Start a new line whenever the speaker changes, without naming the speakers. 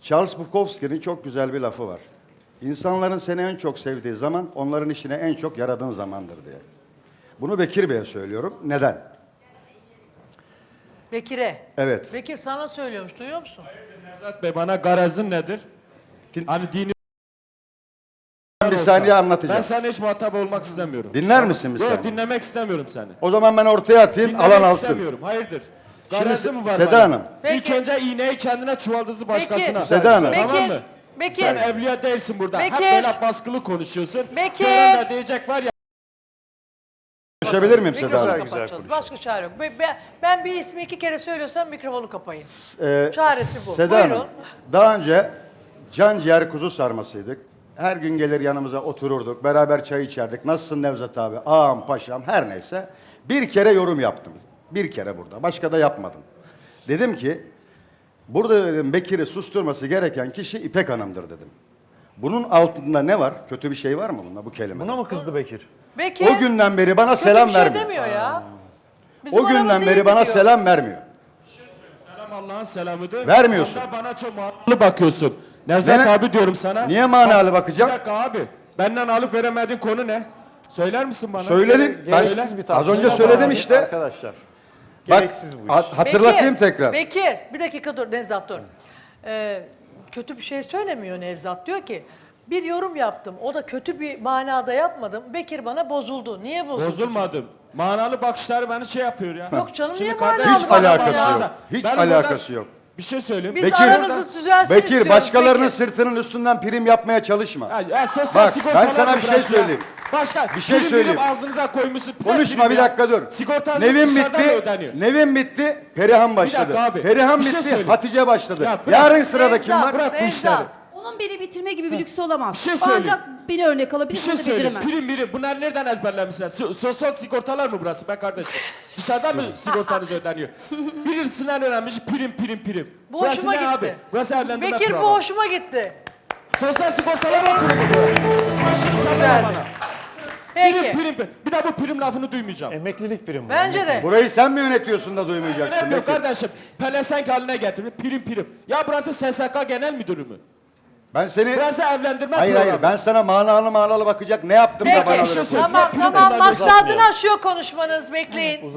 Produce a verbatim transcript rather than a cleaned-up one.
Charles Bukowski'nin çok güzel bir lafı var. İnsanların seni en çok sevdiği zaman onların işine en çok yaradığın zamandır diye. Bunu Bekir Bey'e söylüyorum. Neden?
Bekir'e.
Evet.
Bekir sana söylüyormuş, duyuyor musun?
Nevzat Bey bana garazın nedir?
Din-
Hani dini
Bir saniye anlatacağım.
ben sana hiç muhatap olmak istemiyorum.
Dinler misin bir
Yok,
saniye?
dinlemek istemiyorum seni.
O zaman ben ortaya atayım,
Dinlemek
alan alsın.
istemiyorum. Hayırdır?
Şimdi
Garazı mı var
Seda
bana?
Hanım.
İlk
Peki.
önce iğneyi kendine, çuvaldızı başkasına.
Peki.
Seda Hanım.
Tamam
Bekir,
mı?
Bekir.
Sen evliya değilsin burada.
Bekir.
Hep böyle baskılı konuşuyorsun.
Bekir.
Gören de diyecek var ya.
Konuşabilir miyim Seda
Mikrofonu
Hanım?
kapatacağız. Başka çare yok. Be- be- Ben bir ismi iki kere söylüyorsam mikrofonu kapayın.
Ee,
Çaresi bu.
Seda
Buyurun.
Hanım, daha önce can ciğer kuzu sarmasıydık. Her gün gelir yanımıza otururduk, beraber çay içerdik. Nasılsın Nevzat abi? Ağam, paşam, her neyse. Bir kere yorum yaptım. Bir kere burada. Başka da yapmadım. Dedim ki, burada dedim Bekir'i susturması gereken kişi İpek Hanım'dır dedim. Bunun altında ne var? Kötü bir şey var mı bunda, bu kelime?
Buna mı kızdı Bekir?
Bekir.
O günden beri bana
kötü
selam
bir şey
vermiyor.
demiyor ya. Bizim
O günden
aramız
beri
iyi
bana
gidiyor.
selam vermiyor.
Selam Allah'ın selamıdır.
Vermiyorsun.
Hatta bana çok manalı bakıyorsun. Nevzat
Ne-
abi diyorum sana.
Niye manalı
Bak,
bakacağım?
Bir dakika abi. Benden alıp veremediğin konu ne? Söyler misin bana?
Söyledim. Ben
Gereksiz bir
az
tartışma
önce
var
söyledim
abi,
işte.
Arkadaşlar.
Bak,
Gereksiz bu iş.
hat- hatırlatayım
Bekir,
tekrar.
Bekir, bir dakika dur Nevzat dur. Ee, kötü bir şey söylemiyor Nevzat. Diyor ki bir yorum yaptım. O da kötü bir manada yapmadım. Bekir bana bozuldu. Niye bozuldu?
Bozulmadım. Manalı bakışlar beni şey yapıyor ya.
Yok canım, niye
kardeşim,
manalı
Hiç
bakışlar
alakası
ya?
yok. Hiç
Ben
alakası
buradan
yok.
Bir şey söyleyeyim.
Biz
Bekir,
aranızı düzelsin
Bekir,
istiyoruz.
başkalarının
Bekir.
sırtının üstünden prim yapmaya çalışma.
Ya, ya sosyal
Bak,
sigortalar
ben sana
mı
bir şey
burası ya?
söyleyeyim.
Başka
Bir şey
prim
söyleyeyim.
prim ağzınıza koymuşsun.
Konuşma
prim
bir
ya.
dakika dur.
Sigortanız
Nevin
dışarıdan
bitti.
mı ödeniyor?
Nevin bitti. Perihan başladı.
dakika abi,
Perihan
bir şey
bitti.
söyleyeyim.
Hatice başladı.
Ya bırak.
Yarın sırada kim
Nevzat,
var?
Bırak bu
Nevzat.
işleri.
Onun beni bitirme gibi bir lüksü olamaz.
Bir şey söyleyeyim.
Ancak beni örnek
Bir
alabilir,
şey
bunu da
söyleyeyim.
beceremem.
Prim prim. Bunlar nereden ezberlemişler? So- sosyal sigortalar mı burası be kardeşim? Dışarıdan mı sigortanız ödeniyor? Birisinden öğrenmiş prim prim prim.
Bu
Burası
hoşuma
ne
gitti.
abi? Burası evlendirme
Bekir
programı.
bu hoşuma gitti.
Sosyal sigortalar mı kurumu bu? Başını sallama
Güzeldi.
bana.
Peki.
Prim prim prim. Bir daha bu prim lafını duymayacağım.
Emeklilik primi. bu.
Bence de.
Burayı sen mi yönetiyorsun da duymayacaksın?
Önemli yok
Bekir?
kardeşim. Pelesenk haline getirmiş. Prim prim. Ya burası S S K Genel Müdürü mü?
Ben seni...
Burası evlendirme
Hayır
programı.
hayır, ben sana manalı manalı bakacak ne yaptım da
Peki.
bana
bir şey
böyle
söyleyeyim.
Tamam
Prim
tamam
bunlar
maksadını
uzatmıyor.
aşıyor konuşmanız. Bekleyin.